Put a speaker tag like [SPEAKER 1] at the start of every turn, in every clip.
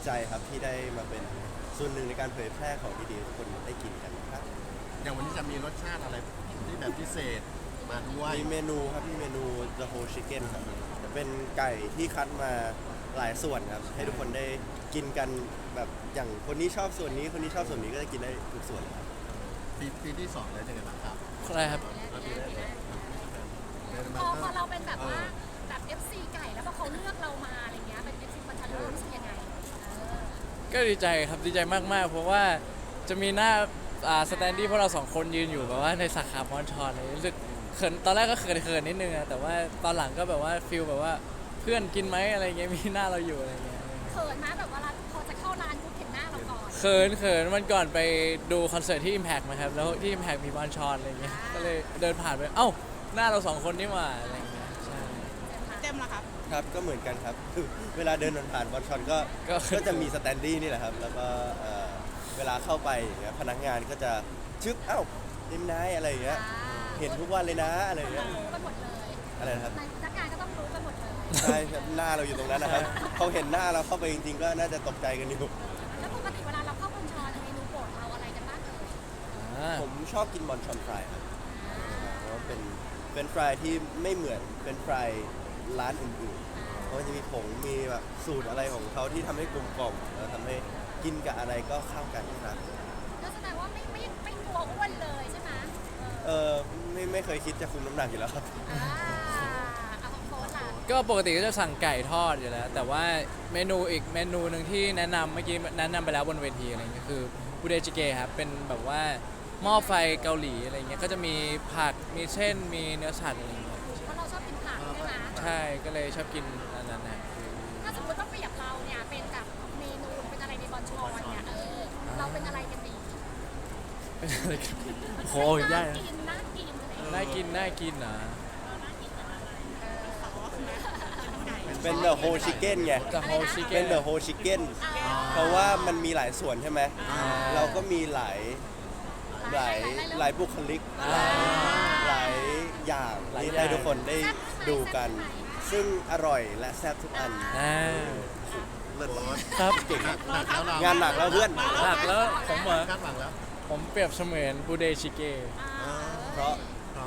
[SPEAKER 1] ใจครับที่ได้มาเป็นส่วนหนึ่งในการเผยแพร่ของดีๆทุกคนได้กินกันครับ
[SPEAKER 2] อย่างวันนี้จะมีรสชาติอะไรที่แบบพิเศษมาด้วย
[SPEAKER 1] มีเมนูครับมีเมนู The Whole Chicken ครับจะเป็นไก่ที่คัดมาหลายส่วนครับให้ทุกคนได้กินกันแบบอย่างคนนี้ชอบส่วนนี้คนนี้ชอบส่วนนี้ก็จะกินได้ทุกส่วนครับ
[SPEAKER 2] ปีที่2แล้วยังไงบ้างครับ
[SPEAKER 3] อะไรครับ
[SPEAKER 4] พอเราเป็นแบบว่าแบบ FC ไก่แล้วพอเขาเลือกเรามาอะไรเงี้ยเป็น FC มันจะรู้สึกยังไง
[SPEAKER 3] ก็ดีใจครับดีใจมากๆเพราะว่าจะมีหน้าสแตนดี้พวกเรา2คนยืนอยู่แบบว่าในสาขามอนชอนเลยรู้สึกเขินตอนแรกก็เขินนิดนึงอะแต่ว่าตอนหลังก็แบบว่าฟีลแบบว่าเพื่อนกินไหมอะไรเงี้ยมีหน้าเราอยู่อะไรเงี้ย
[SPEAKER 4] เขินไหมแบบว่าพอจะเข้าร้านกูเห็นหน้าเราก่อน
[SPEAKER 3] เขินวันก่อนไปดูคอนเสิร์ตที่ Impact มาครับแล้วที่ Impact มีบอลชอนอะไรเงี้ยก็เลยเดินผ่านไปเอ้าหน้าเรา2คนนี่หว่าอะไรเงี้ยใช่
[SPEAKER 4] เต็มละครับ
[SPEAKER 1] ครับก็เหมือนกันครับเวลาเดินผ่านบอลชอนก็จะมีสแตนดี้นี่แหละครับแล้วก็เวลาเข้าไปอย่างเงี้ยพนักงานก็จะชึบเอ้าเต็มนายอะไรอย่างเงี้ยเห็นทุกวันเลยนะอะไรอย่างเงี้ย
[SPEAKER 4] รู้กันหมดเลย
[SPEAKER 1] อะไรนะครับ
[SPEAKER 4] พนักงานก็ต้องรู้กันหมดเลย
[SPEAKER 1] ใช่ครับหน้าเราอยู่ตรงนั้นนะครับเขาเห็นหน้าเราเข้าไปจริงๆก็น่าจะตกใจกันอยู่
[SPEAKER 4] แล้วปกติเวลาเราเข้าบนชอนเมนูโปรดเราอะไรกันบ้าง
[SPEAKER 1] ผมชอบกินบอลชอนฟรายครับเพราะว่าเป็นฟรายที่ไม่เหมือนเป็นฟรายร้านอื่นๆเพราะมันจะมีผงมีแบบสูตรอะไรของเขาที่ทำให้กลมกล่อมแล้วทำให้กินกับอะไรก็เข้ากันครับ
[SPEAKER 4] ก็แสดงว่าไม่กลัวอ้วนเลยใช่ไหม
[SPEAKER 1] ไม่เคยคิดจะคุมน้ำหนักอยู่แล้วครับ
[SPEAKER 4] เอาของโค้ชล่ะ
[SPEAKER 3] ก็ปกติก็จะสั่งไก่ทอดอยู่แล้วแต่ว่าเมนูอีกเมนูหนึ่งที่แนะนำเมื่อกี้แนะนำไปแล้วบนเวทีอะไรเงี้ยคือบูเดจิเกะครับเป็นแบบว่าหม้อไฟเกาหลีอะไรเงี้ยก็จะมีผักมีเส้นมีเนื้อสัตว์อะไรเงี้ย
[SPEAKER 4] เพราะเราชอบกินผักใช่ไหม
[SPEAKER 3] ใช่ก็เลยชอบกินอันนั้นนะ
[SPEAKER 4] ถ้าสมมติต้องเปรียบเราเนี่ยเป็นกับเมนูเป็นอะไรในบอลชอนเนี่ยเราเป็นอะไรกันดี
[SPEAKER 3] เป็นอะไรกันโอ้ยยากน่ากินนะ
[SPEAKER 1] เป็น The Whole Chicken ไง
[SPEAKER 3] The Whole Chicken
[SPEAKER 1] เป็น The Whole Chicken เพราะว่ามันมีหลายส่วนใช่ไหมเราก็มีหลายบุคลิกหลายอย่างที่ให้ทุกคนได้ดูกัน ซึ่งอร่อยและแซ่บทุกอันเลิศ
[SPEAKER 3] ครับ
[SPEAKER 1] เก่งงานหนักแล้วเพื่อน
[SPEAKER 3] หนักแล้วผมเหรอ
[SPEAKER 2] คาดหวังแล้ว
[SPEAKER 3] ผมเปรียบเสมือนบูเดชิเกะ
[SPEAKER 1] เพราะ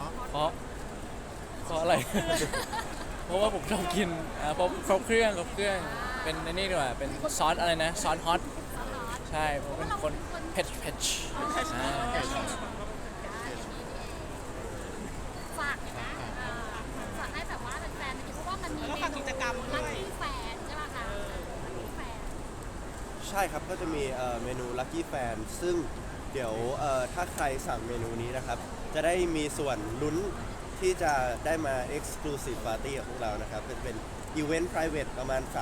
[SPEAKER 3] อะไร เพราะว่าผมชอบกินเพราะครบเครื่องเป็นนี่ดีกว่าเป็นซอสอะไรนะซอสฮอตใช่เพราะเป็นคนเผ็ด
[SPEAKER 4] ฝากนะฝากให้แบบว่าแฟนๆเพราะว่ามันมีเมนูกิจกรรมลัคกี้แฟนใช่ป่ะคะลัคกี้แฟน
[SPEAKER 1] ใช่ครับก็จะมีเมนู Lucky Fan ซึ่งเดี๋ยวถ้าใครสั่งเมนูนี้นะครับจะได้มีส่วนลุ้นที่จะได้มา Exclusive Party กับพวกเรานะครับจะเป็นอีเวนต์ private ประมาณ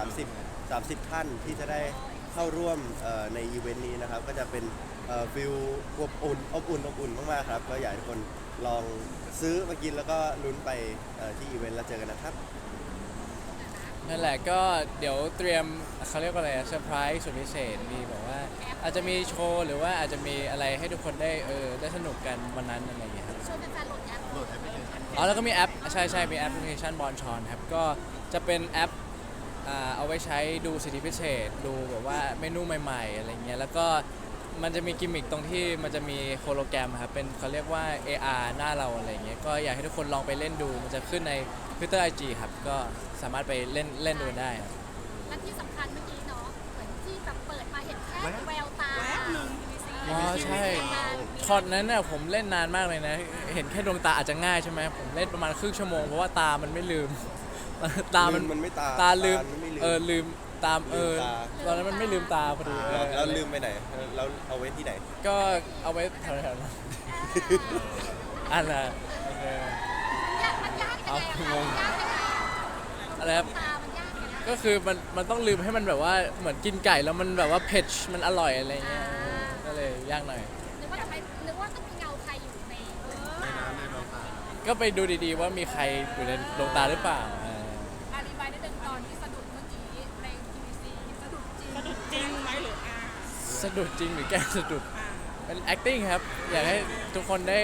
[SPEAKER 1] 30 ท่านที่จะได้เข้าร่วมในอีเวนต์นี้นะครับก็จะเป็นฟิลอบอุ่นมากๆครับก็อยากให้ทุกคนลองซื้อมากินแล้วก็ลุ้นไปที่อีเวนต์แล้วเจอกันนะครับ
[SPEAKER 3] นั่นแหละก็เดี๋ยวเตรียมเขาเรียกว่าอะไรเซอร์ไพรส์สุดพิเศษมีแบบว่าอาจจะมีโชว์หรือว่าอาจจะมีอะไรให้ทุกคนได้สนุกกันวันนั้นอะไรอย่างเงี้ยครับ
[SPEAKER 4] ชวนแฟนๆโหลดแอป
[SPEAKER 3] แล้วก็มีแอปใช่มีแอปพลิเคชันบอลชอนครับก็จะเป็นแอปเอาไว้ใช้ดูสิทธิพิเศษดูแบบว่าเมนูใหม่ๆอะไรเงี้ยแล้วก็มันจะมีกิมมิคตรงที่มันจะมีโฮโลแกรมครับเป็นเขาเรียกว่า AR หน้าเราอะไรเงี้ยก็อยากให้ทุกคนลองไปเล่นดูมันจะขึ้นใน Twitter IG ครับก็สามารถไปเล่นดูได้ครับ
[SPEAKER 4] และที่สำคัญเมื่อกี้เนาะเหมือนที่แบบเปิดมาเห็นแค่แววตา
[SPEAKER 3] อ๋อใช่ช็อตนั้นเนี่ยผมเล่นนานมากเลยนะเห็นแค่ดวงตาอาจจะง่ายใช่ไหมผมเล่นประมาณครึ่งชั่วโมงเพราะว่าตามันไม่ลืมตามัน
[SPEAKER 1] ไม่
[SPEAKER 3] ตาลืมลืมตามตอนนั้นมันไม่ลืมตาพอดี
[SPEAKER 1] แล้วลืมไปไหนแล้วเอาไว้ที่ไหน
[SPEAKER 3] ก็เอาไว้แถวๆนั้นอันน่ะ
[SPEAKER 4] มันยาก
[SPEAKER 3] เอา
[SPEAKER 4] งง
[SPEAKER 3] อะไรครับก็คือมันต้องลืมให้มันแบบว่าเหมือนกินไก่แล้วมันแบบว่าเผ็ดมันอร่อยอะไรเงี้ยก็เลยยากหน่อย
[SPEAKER 4] นึกว่าต้องมีเงาใครอยู่ใน
[SPEAKER 2] น้ำในดวงตา
[SPEAKER 3] ก็ไปดูดีๆว่ามีใครอยู่ในดวงตาหรือเปล่า
[SPEAKER 4] อธิบายได้ถึงตอนที่สะดุดเมื่อกี้ใน TVC สะดุดจริงไหมหรือ
[SPEAKER 3] สะดุดจริงหรือแกล้งสะดุดเป็น acting ครับอยากให้ทุกคนได้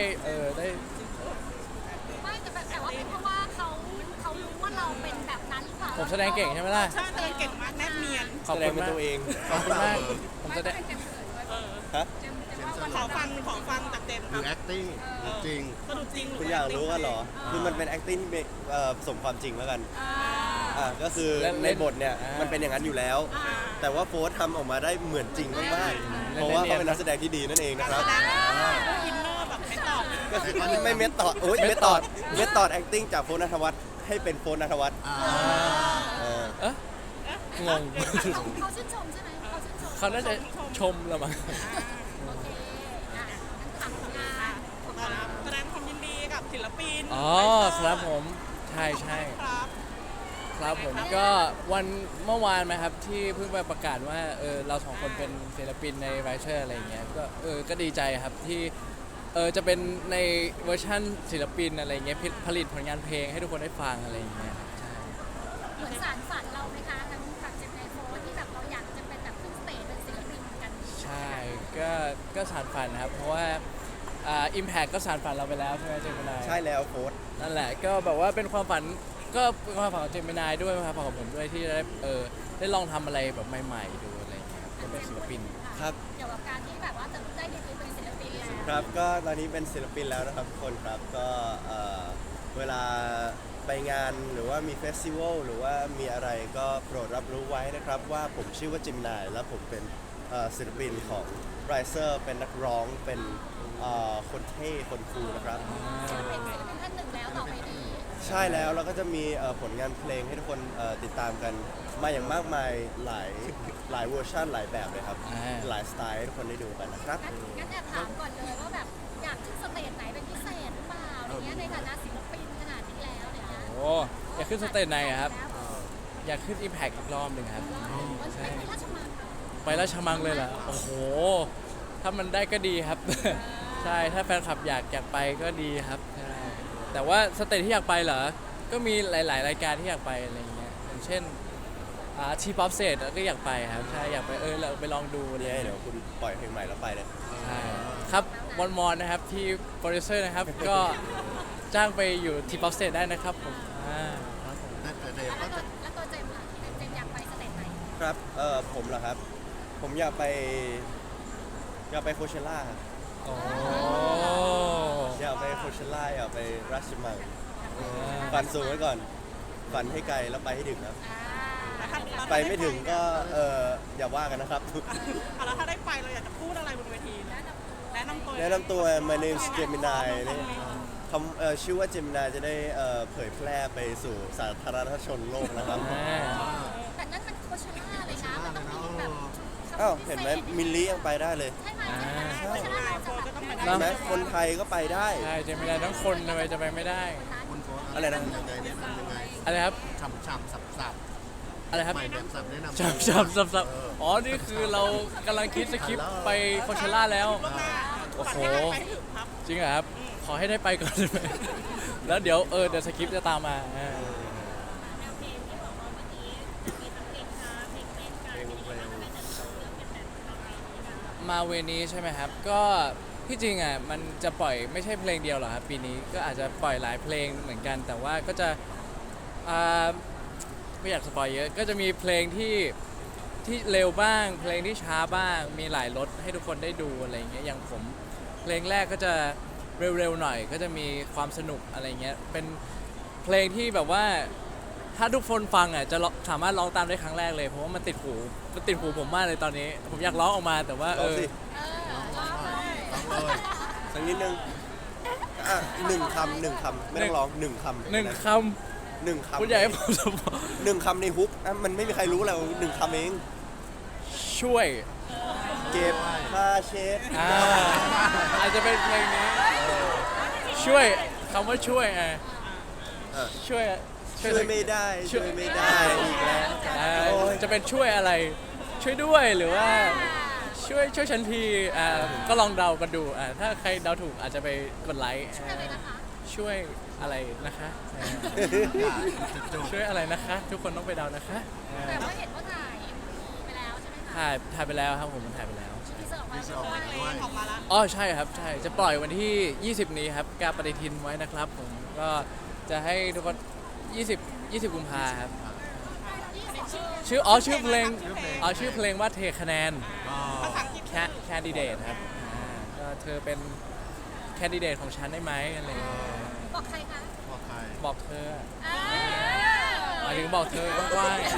[SPEAKER 4] ไม่แต่ว่าเป็นเพราะว่าเขารู้ว่าเราเป็นแบบนั้นหรือเปล่า
[SPEAKER 3] ผมแสดงเก่งใช่ไหมล่ะ
[SPEAKER 4] ใช่แสดงเก่งมากแนบเนียน
[SPEAKER 3] ขอบ
[SPEAKER 1] แสด
[SPEAKER 3] คุ
[SPEAKER 1] ง
[SPEAKER 3] ณ
[SPEAKER 1] เป็น
[SPEAKER 3] มาก
[SPEAKER 1] ตัวเอง
[SPEAKER 3] ขอบคุณมากผมจะได้
[SPEAKER 1] ฮะ
[SPEAKER 5] ขอฟังจากเจมส์
[SPEAKER 2] ห
[SPEAKER 5] ค
[SPEAKER 2] รื
[SPEAKER 5] รับ
[SPEAKER 2] อ acting หรือจริง
[SPEAKER 5] สรุปจริงหรื
[SPEAKER 1] คุณอยากรู้กันเหรอ คือมันเป็น acting ที่สมความจริงแล้วกัน ก็คือ
[SPEAKER 3] เล่น
[SPEAKER 1] ในบทเนี่ย
[SPEAKER 3] อ่ามั
[SPEAKER 1] มันเป็นอย่างนั้นอยู่แล้ว แต่ว่าโฟร์ทำออกมาได้เหมือนจริงมากๆเพราะว่าเขาเป็นนักแสดงที่ดีนั่นเองนะครับ
[SPEAKER 5] อินเนอร์แบบไม่ตอบ
[SPEAKER 1] ก็คือไม่เม็ดตอดโอ้ยเม็ดตอด acting จากโฟร์ณัฐวัฒน์ให้เป็นโฟร์ณัฐวัฒน์เออ
[SPEAKER 3] เอ๊ะงง
[SPEAKER 4] เขาชื่นชมใช่ไหมเขาชื่นชม
[SPEAKER 3] เขาน่าจะชมเรามั้ง
[SPEAKER 4] โอเคอ่ะงั้นถามผลงาน
[SPEAKER 5] แสดงความยินดีกับศิลปิน
[SPEAKER 3] อ๋อครับผมใช่ใช่
[SPEAKER 5] ครับ
[SPEAKER 3] ครับผมก็วันเมื่อวานนะครับที่เพิ่งไปประกาศว่าเราสองคนเป็นศิลปินในไรเชอร์อะไรอย่างเงี้ยก็ก็ดีใจครับที่จะเป็นในเวอร์ชั่นศิลปินอะไรอย่างเงี้ยผลิตผลงานเพลงให้ทุกคนได้ฟังอะไรอย่างเงี้ยครับใช่
[SPEAKER 4] เหมือนสารฝันเราไหมคะทั้งกับเจมส์ไนโฟที่แบบเราอยากจะเป็นแบบขึ้นสเตจเป็นศิลปินเหมือนกัน
[SPEAKER 3] ใช่ก็สานฝันนะครับเพราะว่าImpact ก็สานฝันเราไปแล้วใช่ไหมเจมินาย
[SPEAKER 1] ใช่แล้วโฟร์
[SPEAKER 3] นั่นแหละก็แบบว่าเป็นความฝันก็เป็นความฝันของเจมินายด้วยความฝันของผมด้วยที่ได้ได้ลองทำอะไรแบบใหม่ๆดูอะไรอย่างเงี้ยก็เป็นศิลปิน
[SPEAKER 1] ครับ
[SPEAKER 4] เกี่ยวกับการที่แบบว่าจะได้ดีเป็นศิลปินแล้ว
[SPEAKER 1] ครับก็ตอนนี้เป็นศิลปินแล้วนะครับทุกคนครับก็เวลาไปงานหรือว่ามีเฟสติวัลหรือว่ามีอะไรก็โปรดรับรู้ไว้นะครับว่าผมชื่อว่าจิมนายและผมเป็นศิลปินของไรเซอร์เป็นนักร้องเป็นคนเท่คนคูลนะครับ
[SPEAKER 4] ศิลปินท่านหนึ่งแล้วต่อไปนี้
[SPEAKER 1] ใช่แล้วเราก็จะมีผลงานเพลงให้ทุกคนติดตามกันมาอย่างมากมายหลายเวอร์ชันหลายแบบเลยครับ หลายสไตล์ให้ทุกคนได้ดูกันนะครับ
[SPEAKER 4] งั้นแอบถามก่อนเลยว่าแบบอยากขึ้นสเตจไหนเป็นพิเศษหรือเปล่าอะไรเงี้ยในฐานะศิลปินขนาดนี้แล้วอะไรเงี้ย
[SPEAKER 3] โอ้อยากขึ้นสเตจไหนอะครับอยากขึ้น Impact อีกรอบหนึ่งครับ
[SPEAKER 4] มันเป็นที่ราชมัง
[SPEAKER 3] ไปราชมังเลยเหรอโอ้โหถ้ามันได้ก็ดีครับ ใช่ถ้าแฟนคลับอยากไปก็ดีครับใช่แต่ว่าสเตจที่อยากไปเหรอก็มีหลาย ๆ รายการที่อยากไปอะไรอย่างเงี้ยอย่างเช่นทีป๊อปเซตก็อยากไปครับใช่อยากไปเราไปลองดูอะไร
[SPEAKER 1] เนี่ย
[SPEAKER 3] อย่าง
[SPEAKER 1] เดี๋
[SPEAKER 3] เงี้
[SPEAKER 1] ยวย คุณปล่อยเพลงใหม่แล้วไปเลย
[SPEAKER 3] ใช่ครับวันมอนนะครับที่โปรดิวเซอร์นะครับก็จ้างไปอยู่ทีป๊อปเซตได้นะครับผมครับผม
[SPEAKER 2] แต่เด
[SPEAKER 4] แล้ว
[SPEAKER 2] ก็จะ
[SPEAKER 4] ตัวเจมส์ล่ะเจมส์อยากไปสเตจไหน
[SPEAKER 1] ครับผมเหรอครับผมอยากไปโคเชล่าครับ
[SPEAKER 3] โอ้
[SPEAKER 1] อยากไปโคเชล่าอยากไปราชมังฝันสูงไว้ก่อนฝันให้ไกลแล้วไปให้ถึงครับ ไปไม่ถึงก็อย่าว่ากันนะครับ
[SPEAKER 5] แล้วถ้าได้ไปเราอยากจะพูดอะไรบนเวทีแนะนำตัว
[SPEAKER 1] แนะนำตัว my name is Gemini นี่ชื่อว่า Gemini จะได้เผยแพร่ไปสู่สาธารณชนโลกนะครับ
[SPEAKER 4] แต่นั่นมันโคเชล่าเลยนะมันต้องมีแบบ
[SPEAKER 1] อ้าวเห็นไหมมิลลี่ยังไปได้เลย
[SPEAKER 4] ใช่ไหมโคเชล่าเราจะแบบ
[SPEAKER 1] เห็นไหมคนไทยก็ไปได้
[SPEAKER 3] ใช่จะไม่ได้ทั้งคนทำไมจะไปไม่ได้
[SPEAKER 2] คุณโฟน
[SPEAKER 1] อะไรนะ
[SPEAKER 2] ยังไงแนะนำยังไง
[SPEAKER 3] อะไรครับ
[SPEAKER 2] ฉ่ำสับ
[SPEAKER 3] อะไรครับ
[SPEAKER 2] ใหม่แบบสับแนะนำ
[SPEAKER 3] จับอ๋อ นี่คือเรากำลังคิดสคริปต์ไปโคเชล่าแล้ว โอ้โห
[SPEAKER 5] ไปถึงครับ
[SPEAKER 3] จริงเหรอครับ ขอให้ได้ไปก่อนได้ไหมแล้วเดี๋ยวสคริปต์จะตามมามาเวนี้ใช่ไหมครับ ก็ที่จริงอ่ะมันจะปล่อยไม่ใช่เพลงเดียวหรอกครับปีนี้ก็อาจจะปล่อยหลายเพลงเหมือนกัน แต่ว่าก็จะไม่อยากสปอยเยอะก็จะมีเพลงที่เร็วบ้าง เพลงที่ช้าบ้าง มีหลายรสให้ทุกคนได้ดูอะไรเงี้ยอย่างผมเพลงแรกก็จะเร็วๆหน่อย ก็จะมีความสนุกอะไรเงี้ยเป็นเพลงที่แบบว่าถ้าทุกคนฟังอ่ะจะสามารถร้องตามได้ครั้งแรกเลยเพราะว่ามันติดหูผมมากเลยตอนนี้ ผมอยากร้องออกมาแต่ว่า
[SPEAKER 1] ลองสิ
[SPEAKER 2] ต้องเลย
[SPEAKER 1] สักนิดนึงหนึ่งคำไม่ต้องร้องหนึ่งคำ
[SPEAKER 3] หนึ่งค
[SPEAKER 1] หนึ่ง
[SPEAKER 3] ำ
[SPEAKER 1] คำ
[SPEAKER 3] คุณอยากให้ผมสปอย
[SPEAKER 1] หนึ่งคำในฮุกมันไม่มีใครรู้แล้วหนึ่งคำเอง
[SPEAKER 3] ช่วย
[SPEAKER 1] เก็บผ้าเช็ด
[SPEAKER 3] อาจจะเป็นเพลงนี้ช่วยคำว่าช่วยช่วย
[SPEAKER 1] ช่วยไม่ได้ช่วยไม่ได้อีกแล้ว โอ้ย
[SPEAKER 3] จะเป็นช่วยอะไร ช่วยด้วยหรือว่าช่วยฉันทีก็ลองเดากันดูถ้าใครเดาถูกอาจจะไปกดไลค์
[SPEAKER 4] อะไรนะคะ
[SPEAKER 3] ช่วยอะไรนะคะ
[SPEAKER 2] จุด
[SPEAKER 3] ช่วยอะไรนะคะ ทุกคนต้องไปเดานะคะ
[SPEAKER 4] แต่ว่าเห็นว่าถ่ายไปแล้วใช่ไหมคะ
[SPEAKER 3] ถ่ายไปแล้วครับผมมันถ่ายไปแล้ว
[SPEAKER 4] ทีเซอร์ออกมา
[SPEAKER 2] ที่จะออกมาด้วย
[SPEAKER 5] ออกมาแล้ว
[SPEAKER 3] อ๋อใช่ครับใช่จะปล่อยวันที่ 20 นี้ครับกาปฏิทินไว้นะครับผมก็จะให้ทุกคน20กุมภาครับ
[SPEAKER 4] 20
[SPEAKER 3] ชื่อเพลงชื่อเพลงว่าเทคะแนน
[SPEAKER 2] อ๋อ
[SPEAKER 3] แคนดิเดตครับก็เธอเป็นแคนดิเดตของฉันได้ไหมอะไรอย่างเงี้ย
[SPEAKER 4] บอกใครคะ
[SPEAKER 2] บอกใคร
[SPEAKER 3] บอกเธอ
[SPEAKER 4] อ่า
[SPEAKER 3] หมายถึงบอกเธอกว้างๆ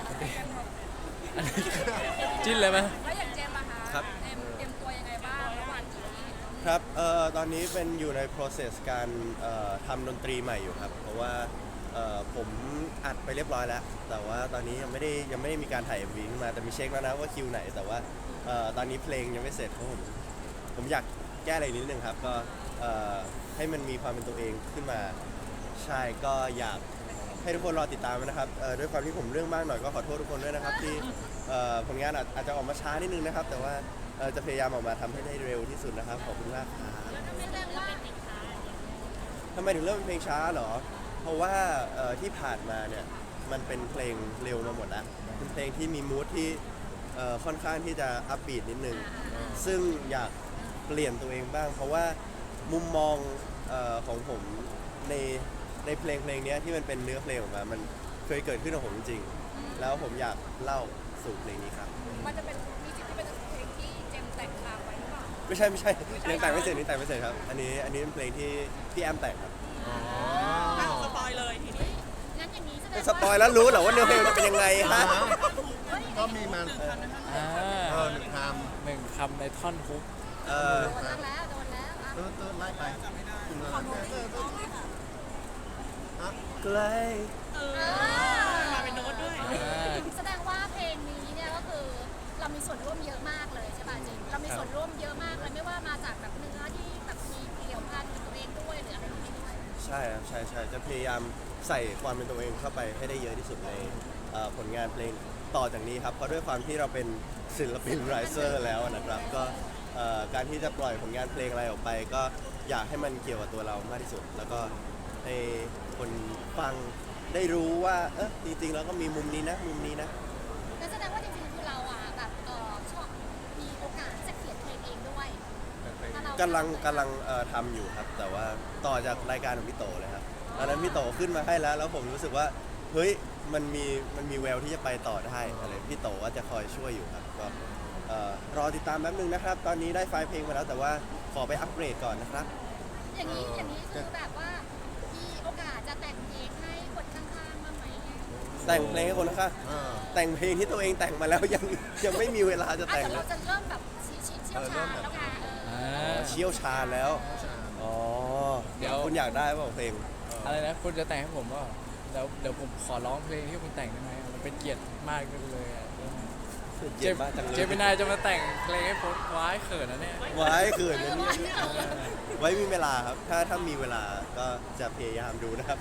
[SPEAKER 3] จิ้นเลยไหม
[SPEAKER 4] แล้วอย่างเจมส์อะคะ
[SPEAKER 1] ครับ
[SPEAKER 4] เตรียมตัวยังไงบ้างระหว่างนี้
[SPEAKER 1] ครับตอนนี้เป็นอยู่ใน process การทำดนตรีใหม่อยู่ครับ เพราะว่าผมอัดไปเรียบร้อยแล้ว แต่ว่าตอนนี้ยังไม่ได้มีการถ่าย MV ขึ้นมา แต่มีเช็คแล้วนะว่าคิวไหน แต่ว่าตอนนี้เพลงยังไม่เสร็จเพราะผมอยากแก้อะไรนิดนึงครับ ก็ให้มันมีความเป็นตัวเองขึ้นมา ใช่ ก็อยากให้ทุกคนรอติดตามนะครับด้วยความที่ผมเรื่องมากหน่อยก็ขอโทษทุกคนด้วยนะครับที่ผลงานอาจจะออกมาช้านิดนึงนะครับ แต่ว่าจะพยายามออกมาทำให้ได้เร็วที่สุดนะครับ ขอบคุณมากครับ
[SPEAKER 4] แสดงว่า
[SPEAKER 1] ทำไมถึงเริ่มเป็นเพลงช้าเหรอ เพราะว่าที่ผ่านมาเนี่ยมันเป็นเพลงเร็วมาหมดแล้วเป็นเพลงที่มีมูทที่ค่อนข้างที่จะอัพบีทนิดนึง ซึ่งอยากเปลี่ยนตัวเองบ้าง เพราะว่ามุมมองของผมในเพลงนี้ที่มันเป็นเนื้อเพลงออกมา มันเคยเกิดขึ้นกับผมจริงๆแล้วผมอยากเล่าสู่เพลงนี้ครับ
[SPEAKER 4] มันจะเป็นมีสิทธิ์ที่เป็นเพลงที่เจมส์แต่งตามไว้หรือเปล่า
[SPEAKER 1] ไม่ใช่ยังแต่งไม่เสร็จครับ อันนี้เป็นเพลงที่พี่แอมแต่งครับ
[SPEAKER 2] อ๋อ
[SPEAKER 5] สปอยเลยทีนี้
[SPEAKER 4] งั้นอย่างนี้แสดง
[SPEAKER 1] สปอยแล้วรู้เหรอว่าเนื้อเพลงมันเป็นยังไงฮะ
[SPEAKER 2] ก็มีมา
[SPEAKER 3] อ่า
[SPEAKER 2] หนึ่งค
[SPEAKER 3] หนึ่งคำในท่อนฮุก
[SPEAKER 1] เออ
[SPEAKER 4] โดนแล้วโดนแล้วอ่ะ
[SPEAKER 2] ำตื้อไล่ไป
[SPEAKER 5] ขอโน้ตเลยต้องเลยค่ะ
[SPEAKER 1] ใกล้
[SPEAKER 5] มาเป็นโน้ตด้วย
[SPEAKER 4] แสดงว่าเพลงนี้เนี่ยก็คือเรามีส่วนร่วมเยอะมากเลยใช่ป่ะเจมส์เรามีส่วนร่วมเยอะมากเลยไม่ว่ามาจากแบบเนื้อที่แบบมีเกี่ยวพันกับตัวเองด้วยหรืออะไรแบบนี้ด้วย
[SPEAKER 1] ใช่ครับใช่จะพยายามใส่ความเป็นตัวเองเข้าไปให้ได้เยอะที่สุดในผลงานเพลงต่อจากนี้ครับเพราะด้วยความที่เราเป็นศิลปินไรเซอร์แล้วนะครับก็การที่จะปล่อยผลงานเพลงอะไรออกไป ก็อยากให้มันเกี่ยวกับตัวเรามากที่สุด แล้วก็ให้คนฟังได้รู้ว่าจริงๆแล้วก็มีมุมนี้นะมุมนี้นะ
[SPEAKER 4] นั่นแสดงว่าจริงๆคือเราอ่ะแบบชอบมีโอกาสที่จะเขียนเพลงเองด้วยถ้าเรา
[SPEAKER 1] กำลังทำอยู่ครับ แต่ว่าต่อจากรายการของพี่โตเลยครับตอนนั้นพี่โตขึ้นมาให้แล้วผมรู้สึกว่าเฮ้ยมันมีแววที่จะไปต่อได้อะไรพี่โตก็จะคอยช่วยอยู่ครับก็รอติดตามแป๊บนึงนะครับ ตอนนี้ได้ไฟล์เพลงมาแล้วแต่ว่าขอไปอัปเกรดก่อนนะครับ
[SPEAKER 4] อย่างนี้คือแบบว่ามีโอกาสจะแต่งเพลงให้คนข้างๆบ้างไหม
[SPEAKER 1] แต่งเพลงให้คนนะคะ แต่งเพลงที่ตัวเองแต่งมาแล้วยังไม่มีเวลาจะ
[SPEAKER 4] อาจ
[SPEAKER 1] แต่ง
[SPEAKER 4] จะ
[SPEAKER 1] เล
[SPEAKER 4] เรา
[SPEAKER 1] ย
[SPEAKER 4] จะเริ่มแบบเชี่ยวชาญแล้วไง
[SPEAKER 1] เชี่ยวชาญแล้วอ๋อ
[SPEAKER 3] เดี๋ยว
[SPEAKER 1] คุณอยากได้เปล่าเพลง
[SPEAKER 3] อะไรนะคุณจะแต่งให้ผมก็เดี๋ยวผมขอร้องเพลงที่คุณแต่งได้ไหมมันเป็นเกียรติมากเลยอะ
[SPEAKER 1] เจ็บมากจังเลย
[SPEAKER 3] เจมินายจะมาแต่งเพลงให้ผมว้ายเขินนะเนี่ย
[SPEAKER 1] ไว้คืนนี้ไว้มีเวลาครับ ถ้ามีเวลาก็จะพยายามดูนะครับ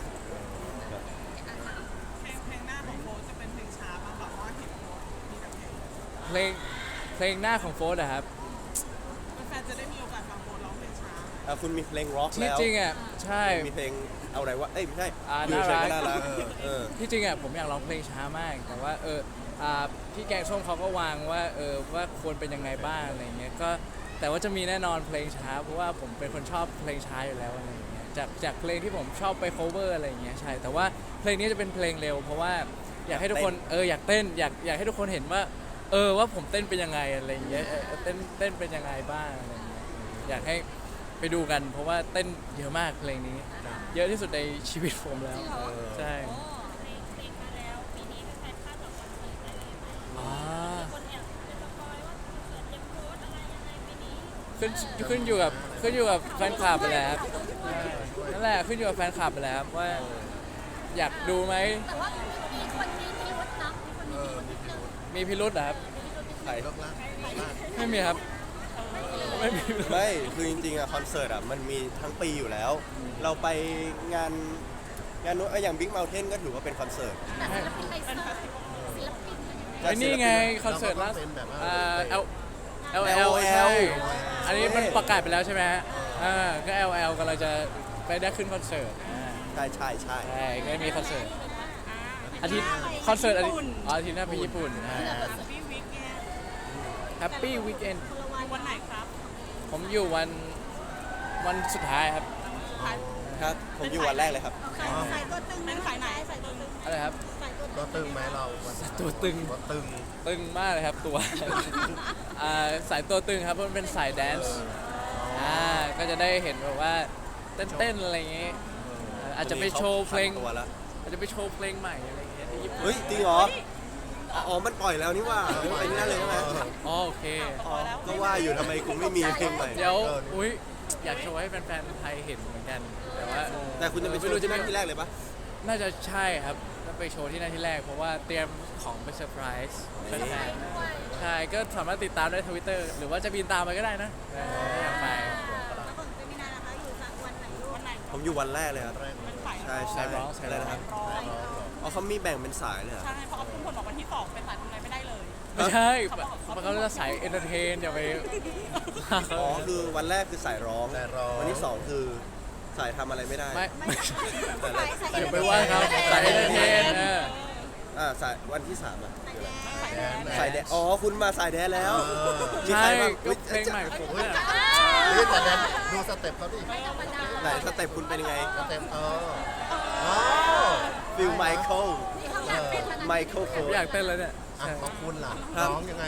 [SPEAKER 5] เพลงหน้าของโฟจะเป็นเพลงช้าบ้างแบบว่าเห็นโฟมีแต่เพลง
[SPEAKER 3] เพลงหน้าของโฟร์นะครับ
[SPEAKER 5] แฟนจะได้มีโอกาสฟังโฟร้องเพลงช้า
[SPEAKER 1] คุณมีเพลงร็อก
[SPEAKER 3] ที่
[SPEAKER 1] แล้ว
[SPEAKER 3] จริงอ่ะใช่
[SPEAKER 1] มีเพลงเอาอะไรวะ เอ้ยไม่ใช่
[SPEAKER 3] น่ารัก
[SPEAKER 1] น่ารัก
[SPEAKER 3] ที่จริงอ่ะผมอยากร้องเพลงช้ามาก แต่ว่าพี่แกงส้มเขาก็วางว่าว่าควรเป็นยังไงบ้างอะไรเงี้ยก็แต่ว่าจะมีแน่นอนเพลงช้าเพราะว่าผมเป็นคนชอบเพลงช้าอยู่แล้วอะไรเงี้ยจากเพลงที่ผมชอบไป cover อะไรเงี้ยใช่แต่ว่าเพลงนี้จะเป็นเพลงเร็ว เพราะว่าอยากให้ทุกคนอยากเต้นอยากให้ทุกคนเห็นว่าว่าผมเต้นเป็นยังไงอะไรเงี้ยเต้นเป็นยังไงบ้างอะไรเงี้ยอยากให้ไปดูกัน เพราะว่าเต้นเยอะมากเพลงนี้ เยอะที่สุดในชีวิตผมแล้ว
[SPEAKER 4] จริงเหรอ
[SPEAKER 3] ใช่
[SPEAKER 4] โอ้เพลงมาแล้วปีนี้แฟนๆคาดหวังคอนเสิร์ตได้เลยไหม
[SPEAKER 3] อ่า
[SPEAKER 4] คนแอบเป็นสปอยว่าคอนเสิร์ตเตรียมโพสอะไรยังไงปีนี้
[SPEAKER 3] ขึ้นอยู่กับแฟนคลับไปแล้วครับนั่นแหละขึ้นอยู่กับแฟนคลับไปแล้วครับว่าอยากดูไหม
[SPEAKER 4] แต่ว่ามีคนมีพิรุษนะมีคนมีพิรุษนิดนึง
[SPEAKER 3] มีพิรุธเหรอครับ
[SPEAKER 1] ใคร
[SPEAKER 2] ลกละ
[SPEAKER 3] ไม่มีครับไม่มีพิรุธ
[SPEAKER 1] ไม่ คือจริงๆอะคอนเสิร์ตอะมันมีทั้งปีอยู่แล้ว เราไปงานนู้นอย่าง Big Mountain ก็ถือว่าเป็นคอนเสิร์ต
[SPEAKER 4] แต่ศิลปินไลเซอร์ศิลปินอะไรอย่างเงี้ย
[SPEAKER 3] ไอ้นี่ไงคอนเสิร์ตล่าสุดLL ใช่อันนี้มันประกาศไปแล้วใช่ไหมฮะก็ LL กำลังจะไปได้ขึ้นคอนเสิร์ต
[SPEAKER 1] ใช่ใช่ใช่
[SPEAKER 3] ใช่ก็มีคอนเสิร์ตอาทิตย์คอนเสิร์ตอาทิตย์หน้าไปญี่ปุ่น
[SPEAKER 5] พี่วิกเนี่ย
[SPEAKER 3] Happy Weekend
[SPEAKER 5] วันไหนครับ
[SPEAKER 3] ผมอยู่วันสุดท้ายครับ
[SPEAKER 1] ครับผมอยู่วันแรกเลยครับ
[SPEAKER 5] ใส่ตัวตึงเป็นสายไหนใส่ตัวตึง
[SPEAKER 3] อะไรครับ
[SPEAKER 5] ใส่ตัวตึ
[SPEAKER 2] ตัว
[SPEAKER 5] ง
[SPEAKER 2] ตึงไหมเรา
[SPEAKER 3] ตัวตึง
[SPEAKER 2] ตัวตึง
[SPEAKER 3] ตึงมากเลยครับตัว สายตัวตึงครับเพราะมันเป็นสายแดนซ์ก็จะได้เห็นแบบว่าเต้นๆอะไรอย่างเงี้ยอาจจะไปโชว์เพลง
[SPEAKER 1] ตัวละ
[SPEAKER 3] อาจจะไปโชว์เพลงใหม่อะไรอย่างเงี้ยที่ญี่ปุ่น
[SPEAKER 1] เฮ้ยจริงเหรออ๋อมันปล่อยแล้วนี่ว่าไปนี่เลยใช่ไหม
[SPEAKER 3] อ๋อโอเค
[SPEAKER 1] อ๋อก็ว่าอยู่ทำไมกูไม่มีเพลงใหม่
[SPEAKER 3] เดี๋ยวอุ้ยอยากโชว์ให้แฟนๆไทยเห็นเหมือนกัน แต่ว่า
[SPEAKER 1] แต่คุณจะไปโชว์ที่นั่นที่แรกเลยปะ
[SPEAKER 3] น่าจะใช่ครับก็ไปโชว์ที่นั่นที่แรกเพราะว่าเตรียมของไปเซอร์ไพรส์แฟน
[SPEAKER 4] ด้วย
[SPEAKER 3] ๆใช่ก็สามารถติดตามได้ทวิตเตอร์หรือว่าจะบินตามไปก็ได้นะถ้าอยากไป
[SPEAKER 5] แล้วคนเป็นมินานะคะอยู่จากวันไหนวันไหน
[SPEAKER 1] ผมอยู่วันแรกเลยครับ
[SPEAKER 5] เป็นสาย
[SPEAKER 1] ใช่ใช่อะไรนะครับ
[SPEAKER 5] ร้อย
[SPEAKER 1] อ๋อเขามีแบ่งเป็นสายเลยเหรอ
[SPEAKER 5] ใช่เพราะทุกคนบอกวันที่สองเป็นสายทำอะไรไม่ได้เลย
[SPEAKER 3] ไม่ใช่เขาจะใส่เอนเตอร์เทนอย่าไป
[SPEAKER 1] อ๋อคือวันแรกคือสายร้อง วันที่สองคือสายทำอะไรไม่ได้
[SPEAKER 3] ไม่
[SPEAKER 1] แต่ละ
[SPEAKER 3] อย่าไปว่าเขาใส่เอนเตอร์เทน
[SPEAKER 1] สายวันที่สามอ่ะ
[SPEAKER 2] แดน
[SPEAKER 1] สายแดนอ๋อคุณมาสายแดนแล้วมี
[SPEAKER 3] ใช่
[SPEAKER 1] ใครบ้าง
[SPEAKER 3] ก็เพลงใหม่ผมเนี่ย
[SPEAKER 2] นี่แต่แดนดูสเต็ปเขาดิ
[SPEAKER 4] ไม่ธรรมดา
[SPEAKER 1] ไหนสเต็ปคุณเป็นยังไง
[SPEAKER 2] สเต็ปอ๋อ
[SPEAKER 1] ฟิลไมเคิล
[SPEAKER 4] นี่เขาอยากเป็นขนาดนี้
[SPEAKER 1] ไมเคิลโฟ
[SPEAKER 3] ผมอยากเต้นแล้วเนี่ย
[SPEAKER 2] อ่ะ
[SPEAKER 3] ใช่
[SPEAKER 2] ขอบคุณล่ะ
[SPEAKER 1] ครับ
[SPEAKER 2] ร้องยังไง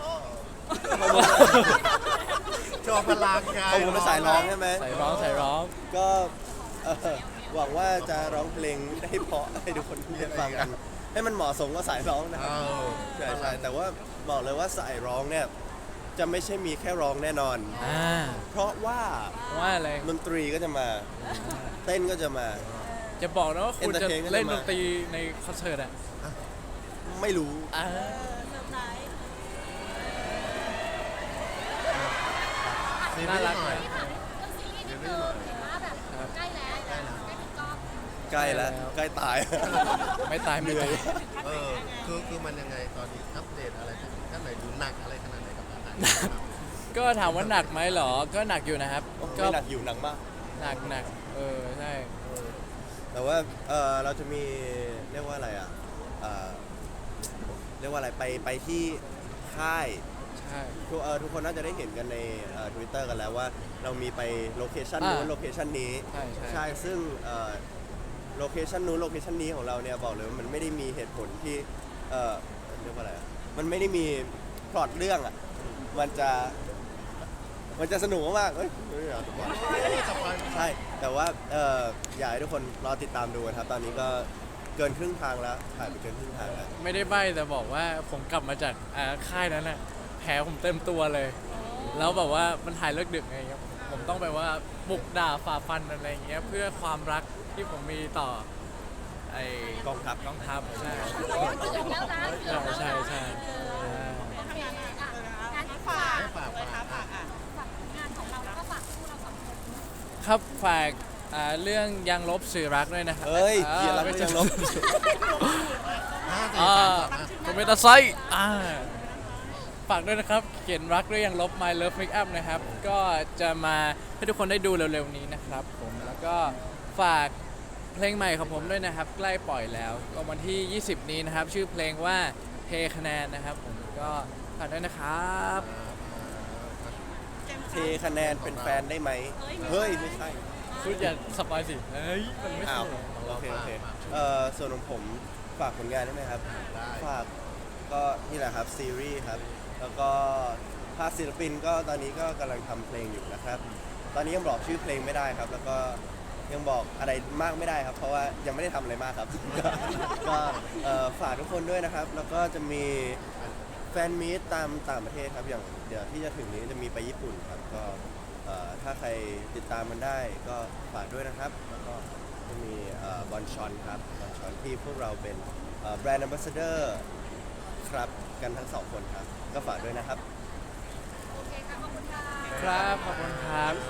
[SPEAKER 2] โชว์พลังไง
[SPEAKER 1] เขาผมเป็นสายร้องใช่ไหม
[SPEAKER 3] ใส่ร้อง
[SPEAKER 1] ก็หวังว่าจะร้องเพลงได้เพราะให้ทุกคนได้ฟังกัน ให้มันเหมาะสมกับสายร้องนะค
[SPEAKER 2] เอ
[SPEAKER 1] รับ
[SPEAKER 2] อ
[SPEAKER 1] ใช่ใช่แต่ว่าบอกเลยว่าสายร้องเนี่ยจะไม่ใช่มีแค่ร้องแน่นอน เพราะว่า
[SPEAKER 3] ว่าอะไร
[SPEAKER 1] ดนตรีก็จะมา เต้นก็จะมา
[SPEAKER 3] จะบอกนะว่าคุณจะ
[SPEAKER 1] Entertain ก็จะมา
[SPEAKER 3] เล่นดนตรีในคอนเสิร์ตอ่ะ
[SPEAKER 1] ไม่รู้
[SPEAKER 3] อ่า
[SPEAKER 2] ซีรี
[SPEAKER 3] น่า
[SPEAKER 2] ส์
[SPEAKER 3] รัก
[SPEAKER 2] หน่อย
[SPEAKER 4] ที่ถามเรื่องซีรีส์นิดนึงเห็นว่าแบบใกล้แล้วใกล้ถึงกอง
[SPEAKER 1] ใกล้แล้วใกล้ตาย
[SPEAKER 3] ไม่ตายไม่ตาย
[SPEAKER 2] เออคือมันยังไงตอนนี้อัปเดตอะไรถึงขั้นไหนดูหนักอะไรขนาดไหนกับอาหาร
[SPEAKER 3] ก็ถามว่าหนักไหมเหรอ ก็หนักอยู่นะครับ ก็
[SPEAKER 1] ไม่หนักอยู่หนักมาก
[SPEAKER 3] หนักใช่
[SPEAKER 1] แต่ว่าเราจะมีเรียกว่าอะไรอ่ะเรียกว่าอะไรไปที่ค่าย
[SPEAKER 3] ใช่
[SPEAKER 1] ทุกคนน่าจะได้เห็นกันในTwitter กันแล้วว่าเรามีไปโลเคชัน
[SPEAKER 3] อ่า
[SPEAKER 1] นู้นโลเคชันนี้
[SPEAKER 3] ใช่
[SPEAKER 1] ซึ่งโลเคชันนู้นโลเคชันนี้ของเราเนี่ยบอกเลยว่ามันไม่ได้มีเหตุผลที่เรียกว่าอะไรอะมันไม่ได้มีพล็อตเรื่องอ่ะมันจะสนุกมากๆเอ้ยไม่อยากสปอยใช่แต่ว่าอยากให้ทุกคนรอติดตามดูกันครับ ตอนนี้ก็เกินครึ่งทางแล้วถ่ายไปเกินครึ่งทางแล้ว
[SPEAKER 3] ไม่ได้ใบ้แต่บอกว่าผมกลับมาจากค่ายนั้นน่ะแผลผมเต็มตัวเลย แล้วแบบว่ามันถ่ายเลิกดึกไงครับผมต้องไปว่าบุกด่าฝ่าฟันอะไรอย่างเงี้ยเพื่อความรักที่ผมมีต่อไอ้
[SPEAKER 1] กองทัพ
[SPEAKER 3] กองทัพใช่
[SPEAKER 4] เกือบแล้วนะเกือบแล้ว
[SPEAKER 3] ใช่
[SPEAKER 4] นะ
[SPEAKER 3] ใช่
[SPEAKER 4] โอเคอ่ะงานฝากงานของเราแล้วก็ฝากคู่เราสองคน
[SPEAKER 3] ครับฝากเรื่องยังลบสื่อรักด้วยนะครับ
[SPEAKER 1] เฮ้ยเกียร์รักไม่ยังลบ
[SPEAKER 3] ผมเป็นตาไซฝากด้วยนะครับ เขียนรักด้วยยังลบ My Love Makeup นะครับ ก็จะมาให้ทุกคนได้ดูเร็วๆนี้นะครับผมแล้วก็ฝากเพลงใหม่ของผมด้วยนะครับ ใกล้ปล่อยแล้ว ก็วันที่ 20 นี้นะครับ ชื่อเพลงว่าเทคะแนนนะครับผมก็ฝากด้วยนะครับ
[SPEAKER 1] เทคะแนนเป็นแฟนได้ไหมเฮ้ยไม่ใช่
[SPEAKER 3] พูดอย่าสปอยสิเฮ้ยมันไม่
[SPEAKER 1] อ้าว
[SPEAKER 3] สนุก
[SPEAKER 1] โอเคส่วนของผมฝากผลงานได้ไหมครับ
[SPEAKER 2] ได้
[SPEAKER 1] ฝากก็นี่แหละครับซีรีส์ครับแล้วก็ภาคศิลปินก็ตอนนี้ก็กำลังทำเพลงอยู่นะครับ ตอนนี้ยังบอกชื่อเพลงไม่ได้ครับ แล้วก็ยังบอกอะไรมากไม่ได้ครับ เพราะว่ายังไม่ได้ทำอะไรมากครับ ก็ฝากทุกคนด้วยนะครับ แล้วก็จะมีแฟนมีตตามต่างประเทศครับอย่างเดี๋ยวที่จะถึงนี้จะมีไปญี่ปุ่นครับก็ถ้าใครติดตามมันได้ก็ฝากด้วยนะครับ แล้วก็จะมีบอลชอนครับบอลชอนที่พวกเราเป็นแบรนด์ a อ b บ s สเดอร์ครับกันทั้งสองคนครับ ก็ฝากด้วยนะครับ
[SPEAKER 4] โอเคค่ะขอบคุณค่ะ
[SPEAKER 3] ครับขอบคุณครับ